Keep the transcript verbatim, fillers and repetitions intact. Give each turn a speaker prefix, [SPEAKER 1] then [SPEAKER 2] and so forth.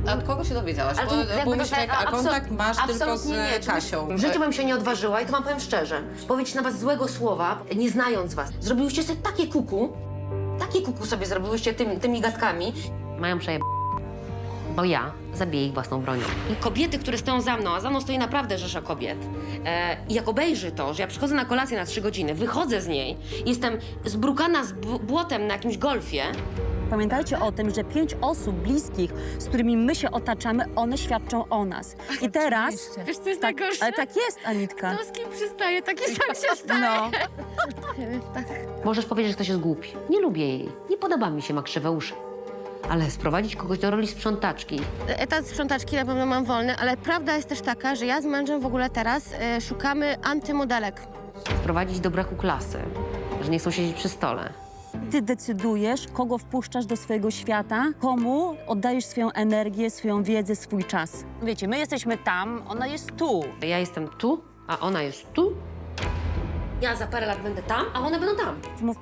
[SPEAKER 1] A od kogo się dowiedziałaś?
[SPEAKER 2] Ale to
[SPEAKER 1] Bo,
[SPEAKER 2] jakby
[SPEAKER 1] bo
[SPEAKER 2] to
[SPEAKER 1] myślę,
[SPEAKER 2] tak,
[SPEAKER 1] a
[SPEAKER 2] absol-
[SPEAKER 1] kontakt masz tylko z
[SPEAKER 2] absolutnie nie.
[SPEAKER 1] Kasią.
[SPEAKER 2] W życiu bym się nie odważyła i to wam powiem szczerze. Powiedzieć na was złego słowa, nie znając was. Zrobiłyście sobie takie kuku, takie kuku sobie zrobiłyście tym, tymi gadkami. Mają przejeb... Bo ja zabiję ich własną bronią. I kobiety, które stoją za mną, a za mną stoi naprawdę rzesza kobiet. E, I jak obejrzy to, że ja przychodzę na kolację na trzy godziny, wychodzę z niej, jestem zbrukana z b- błotem na jakimś golfie.
[SPEAKER 3] Pamiętajcie o tym, że pięć osób bliskich, z którymi my się otaczamy, one świadczą o nas. I teraz...
[SPEAKER 4] Wiesz, co jest
[SPEAKER 3] Tak,
[SPEAKER 4] najgorsze?
[SPEAKER 3] ale tak jest, Anitka.
[SPEAKER 4] To z kim przystaje, taki sam się staje.
[SPEAKER 3] No.
[SPEAKER 4] Tak.
[SPEAKER 2] Możesz powiedzieć, że ktoś jest głupi. Nie lubię jej. Nie podoba mi się, ma krzywe uszy. Ale sprowadzić kogoś do roli sprzątaczki.
[SPEAKER 4] Etat sprzątaczki na pewno mam wolny, ale prawda jest też taka, że ja z mężem w ogóle teraz e, szukamy antymodelek.
[SPEAKER 2] Sprowadzić do braku klasy. Że nie chcą siedzieć przy stole.
[SPEAKER 3] Ty decydujesz, kogo wpuszczasz do swojego świata, komu oddajesz swoją energię, swoją wiedzę, swój czas. Wiecie, my jesteśmy tam, ona jest tu.
[SPEAKER 2] Ja jestem tu, a ona jest tu. Ja za parę lat będę tam, a one będą tam.
[SPEAKER 3] Mów